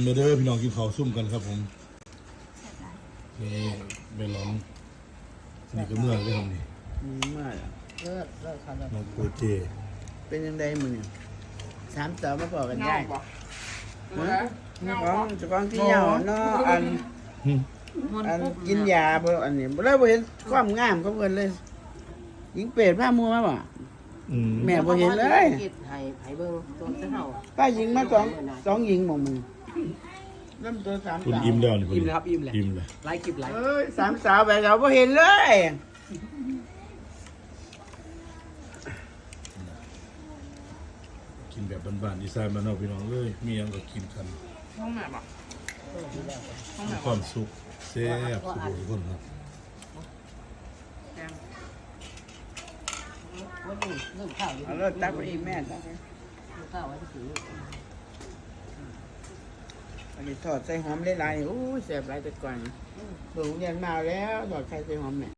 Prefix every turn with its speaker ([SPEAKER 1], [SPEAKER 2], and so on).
[SPEAKER 1] มาเด้อพี่น้องกินข้าวซุ่มกันครับผมนี่เมลอนนี่ก็เมื่อได้ทำนี่
[SPEAKER 2] เมื่อ
[SPEAKER 3] เลิกค่ะเลิก
[SPEAKER 1] น้องโกเจ
[SPEAKER 2] เป็นยังไงมึงเนี่ย3 ต่อมาบอกกันได้เจ้าของที่เหยาเนาะอันกินยาบ่อันนี้บ่ได้บ่เห็นความงามของเพิ่นเลยหญิงเป็ดผ้ามัวมาบ่แม่บ่เห็นเลย
[SPEAKER 3] ไผ่เบิ่งตัวเท่า
[SPEAKER 2] ป้าหญิงมาสองหญิงหม่องมึงเริ่มตัว3
[SPEAKER 1] คุณ
[SPEAKER 2] สาว
[SPEAKER 1] อิ่มแล้วนี่
[SPEAKER 4] อิ่มเลยครับอิ่มเลย
[SPEAKER 1] อิ่มเลย
[SPEAKER 4] ไลค์คลิปไลค์
[SPEAKER 2] เอ้ย3 สาวไปเราบ่เห็นเลย
[SPEAKER 1] กินแบบบ้านๆดีไซน์บ้านนอกพี่น้องเลยมีหยังก็กินกัน
[SPEAKER 4] ห้องไหนบ่
[SPEAKER 1] มีความสุขแซ่บสุขทุกคนครับ
[SPEAKER 3] วันนี้เรื่องข้าวอยู่
[SPEAKER 2] เอาแล้วตักไปอีกแม่ตักไป
[SPEAKER 3] ข้าวไว้ที่ถือ
[SPEAKER 2] อันนี้ทอดใส่หอมหลายๆโอ้ยแซ่บหลายแต่ก่อนเบิ่งเรียนมาแล้วทอดไข่ใส่หอมแม่